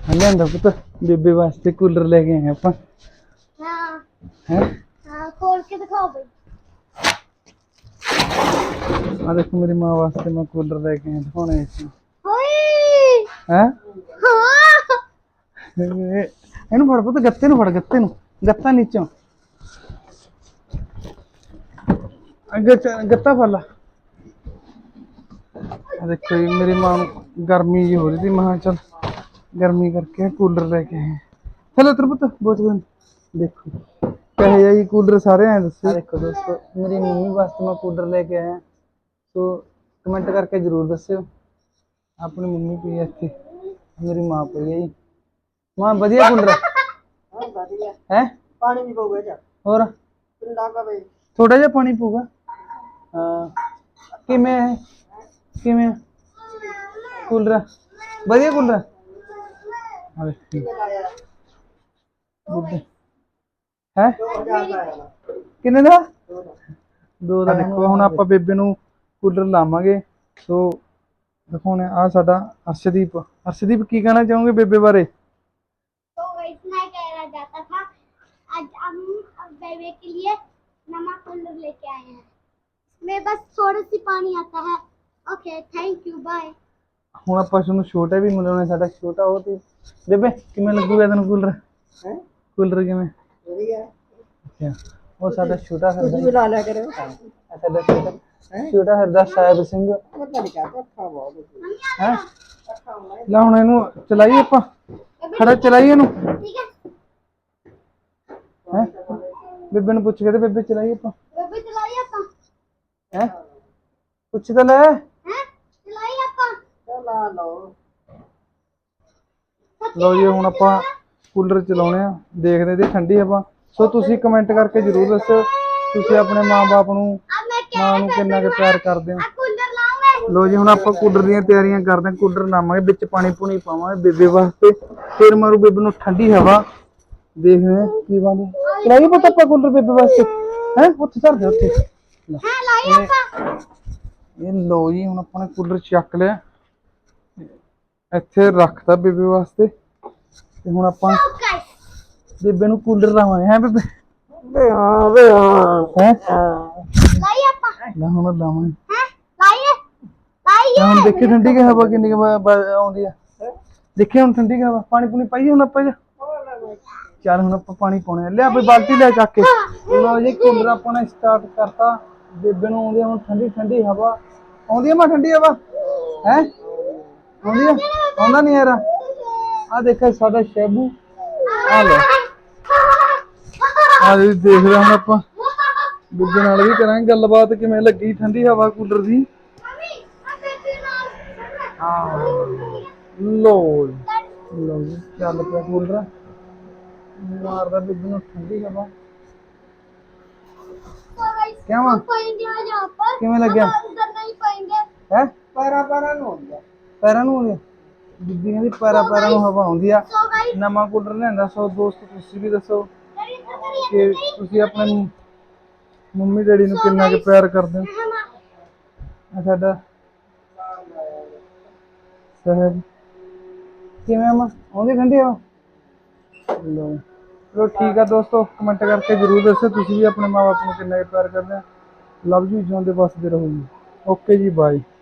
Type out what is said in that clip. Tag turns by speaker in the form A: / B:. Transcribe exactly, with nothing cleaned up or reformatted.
A: लिया पुत बेबे वास्ते कूलर लेके आए आप।
B: हाँ
A: हैं
B: हाँ खोल के दिखाओ भाई।
A: आ देखो मेरी माँ वास्ते मैं कूलर लेके आया दिखाने इसमें
B: ओए
A: हैं।
B: हाँ
A: ਇਹਨੂੰ ਫੜ ਪੁੱਤ ਗੱਤੇ ਨੂੰ ਫੜ ਗੱਤੇ ਨੂੰ ਗੱਤਾ ਨੀਚੋਂ ਅੱਗੇ ਗੱਤਾ ਫੜ ਲਾ। देखो जी मेरी माँ गर्मी जी हो रही थी मैं चल गर्मी करके कूलर लेके आए। चलो इधर पुत बहुत गंद देखो कहे जाइए कूलर सारे हैं दसो। देखो दोस्तों मेरी मम्मी वास्ते मैं कूलर लेके आया तो कमेंट करके जरूर दस्यो। अपनी मम्मी पी है इत्थे मेरी माँ पी है जी। माँ बढ़िया कूलर है
C: पानी नहीं पऊगा जा
A: और
C: ठंडा का भाई
A: थोड़ा जिहा पानी पऊगा। हाँ किमें है किमें कूलर बढ़िया कूलर है किन्ने दा दो दा। देखो हुण आपां बेबे नूं कूलर लावांगे तो दिखाने आ साडा अर्शदीप। अर्शदीप की कहना चाहोगे बेबे बारे?
B: तो इतना कहना जाता था आज हम अब बेबे के लिए नवा कूलर लेके आए हैं। इसमें बस थोड़ा सी पानी आता है। Okay thank you bye.
A: ਹੁਣ ਆਪਾਂ ਤੁਹਾਨੂੰ ਛੋਟਾ ਵੀ ਮਿਲਾਉਣਾ ਸਾਡਾ ਛੋਟਾ ਉਹ ਤੇ ਬੇਬੇ ਕਿਵੇਂ ਲੱਗੂਗਾ ਤੈਨੂੰ ਕੂਲਰ
C: है
A: ਕੂਲਰ ਕਿਵੇਂ
C: बढ़िया
A: ਅੱਛਾ ਉਹ ਸਾਡਾ ਛੋਟਾ
C: कुछ
A: ਫਿਰਦਾ
C: भी ला लिया करो
A: ਸਾਡਾ ਛੋਟਾ ਛੋਟਾ ਫਿਰਦਾ ਸਾਹਿਬ ਸਿੰਘ
C: पता नहीं क्या अच्छा बहुत
A: ਹੈ।
C: अच्छा होना
A: ਲੈ ਹੁਣ ਇਹਨੂੰ ਚਲਾਈਏ ਆਪਾਂ ਖੜਾ ਚਲਾਈਏ ਇਹਨੂੰ
B: ठीक है
A: ਹੈ ਬੇਬੇ ਨੂੰ ਪੁੱਛ ਕੇ ਤੇ ਬੇਬੇ ਚਲਾਈਏ ਆਪਾਂ
B: बेबे चलाइए अपा
A: ਹੈ ਪੁੱਛ ਤਾਂ ਲੈ।
B: हैं चलाइए अपा
C: चला लो
A: ਲਓ ਜੀ ਹੁਣ ਆਪਾਂ ਕੂਲਰ ਚਲਾਉਣੇ ਆ ਦੇਖਦੇ ਤੇ ਠੰਡੀ ਹਵਾ। ਸੋ ਤੁਸੀਂ ਕਮੈਂਟ ਕਰਕੇ ਜਰੂਰ ਦੱਸਿਓ ਤੁਸੀਂ ਆਪਣੇ ਮਾਂ-ਬਾਪ ਨੂੰ
B: अब मैं क्या
A: ਮਾਂ ਨੂੰ ਕਿੰਨਾ ਕੁ ਪਿਆਰ ਕਰਦੇ ਹੋ।
B: अब कूलर लाऊंगा।
A: ਲੋ ਜੀ ਹੁਣ ਆਪਾਂ ਕੂਲਰ ਦੀਆਂ ਤਿਆਰੀਆਂ ਕਰਦੇ ਹਾਂ। ਕੂਲਰ ਲਾਵਾਂਗੇ ਵਿੱਚ ਪਾਣੀ ਪੂਣੀ ਪਾਵਾਂਗੇ ਬੇਬੇ ਵਾਸਤੇ ਫਿਰ ਮਾਰੂ ਬੇਬੇ ਨੂੰ ਠੰਡੀ ਹਵਾ ਦੇਖਦੇ ਹਾਂ ਕੀ ਬਣਦਾ। ਚਲਾਈਏ ਪਤਾ ਆਪਾਂ ਕੂਲਰ ਬੇਬੇ ਵਾਸਤੇ ਹੈ ਉੱਥੇ ਧਰ ਦੇ ਉੱਥੇ।
B: हाँ लाइए अपा।
A: ਇਹ ਲੋ ਜੀ ਹੁਣ ਆਪਾਂ ਨੇ ਕੂਲਰ ਚੱਕ ਲਿਆ ਇੱਥੇ ਰੱਖਤਾ ਬੇਬੇ ਵਾਸਤੇ ਤੇ ਹੁਣ ਆਪਾਂ
B: गाइस
A: ਬੇਬੇ ਨੂੰ ਕੂਲਰ ਲਾਵਾਂਗੇ ਹੈ ਬੇਬੇ
C: बे हां बे हां
A: ਹੈ
B: लाइए अपा।
A: ਲੈ ਹੁਣ ਲਾਵਾਂਗੇ।
B: हैं लाइए लाइए।
A: ਹੁਣ ਦੇਖੀ ਠੰਡੀ ਕਿ ਹਵਾ ਕਿੰਨੀ ਕੁ ਬ- ਬ- ਆਉਂਦੀ ਆ ਦੇਖੀ ਹੁਣ ਠੰਡੀ ਕਿ ਹਵਾ ਪਾਣੀ ਪੂਣੀ ਪਾਈਏ ਹੁਣ ਆਪਾਂ ਜੀ। ਚੱਲ ਹੁਣ ਆਪਾਂ ਪਾਣੀ ਪਾਉਣੇ ਆ ਲਿਆ ਬਈ ਬਾਲਟੀ ਲੈ ਚੱਕ ਕੇ। ਲੋ ਜੀ ਕੂਲਰ ਆਪਾਂ ਨੇ ਸਟਾਰਟ ਕਰਤਾ ਬੇਬੇ ਨੂੰ ਆਉਂਦੀ ਆ ਹੁਣ ਠੰਡੀ ਠੰਡੀ ਹਵਾ ਆਉਂਦੀ ਆ ਮੈਂ ਠੰਡੀ ਹਵਾ ਹੈ ਆਉਂਦੀ ਆ ਆਉਂਦਾ ਨਹੀਂ ਯਾਰ ਆ ਦੇਖੋ ਸਾਡਾ ਸ਼ੈਬੂ ਆ ਲੈ ਆ ਜੀ ਦੇਖਦੇ ਹੁਣ ਆਪਾਂ ਬੇਬੇ ਨਾਲ ਵੀ ਕਰਾਂਗੇ ਗੱਲਬਾਤ ਕਿਵੇਂ ਲੱਗੀ ਠੰਡੀ ਹਵਾ ਕੂਲਰ ਦੀ। ਲੋ ਲੋ ਜੀ ਚੱਲ ਪਿਆ ਕੂਲਰ ਮਾਰਦਾ ਬੇਬੇ ਨੂੰ ਠੰਡੀ ਹਵਾ। क्या हुआ?
B: पाएंगे आज यहाँ पर
A: ਕਿਵੇਂ ਲੱਗਿਆ
B: हम उधर नहीं पाएंगे।
A: ਹੈ
C: पैरा पैरा नो हो गया
A: ਪੈਰਾਂ ਨੂੰ ਆਉਂਦੀ ਆ ਬੀਬੀ ਕਹਿੰਦੀ ਪੈਰਾਂ ਪੈਰਾਂ ਨੂੰ ਹਵਾ ਆਉਂਦੀ ਆ।
B: सो गाइस
A: ਨਵਾਂ ਕੂਲਰ ਲਿਆਂਦਾ ਸੋ ਦੋਸਤ ਤੁਸੀਂ ਵੀ ਦੱਸੋ ਕਿ ਤੁਸੀਂ ਆਪਣੇ ਮੰਮੀ ਡੈਡੀ ਨੂੰ ਕਿੰਨਾ ਕੁ ਪਿਆਰ ਕਰਦੇ ਹੋ। ਆ ਸਾਡਾ ਸਾਹਿਬ ਕਿਵੇਂ ਆ ਆਉਂਦੀ ਠੰਡੀ ਹਵਾ। ਲੋ ਚਲੋ ਠੀਕ ਆ ਦੋਸਤੋ ਕਮੈਂਟ ਕਰਕੇ ਜਰੂਰ ਦੱਸੋ ਤੁਸੀਂ ਵੀ ਆਪਣੇ ਮਾਂ ਬਾਪ ਨੂੰ ਕਿੰਨਾ ਕੁ ਪਿਆਰ ਕਰਦੇ ਹੋ। ਲਵ ਯੂ ਜਿਉਂਦੇ ਵਸਦੇ ਰਹੋ ਜੀ। ਓਕੇ ਜੀ ਬਾਏ।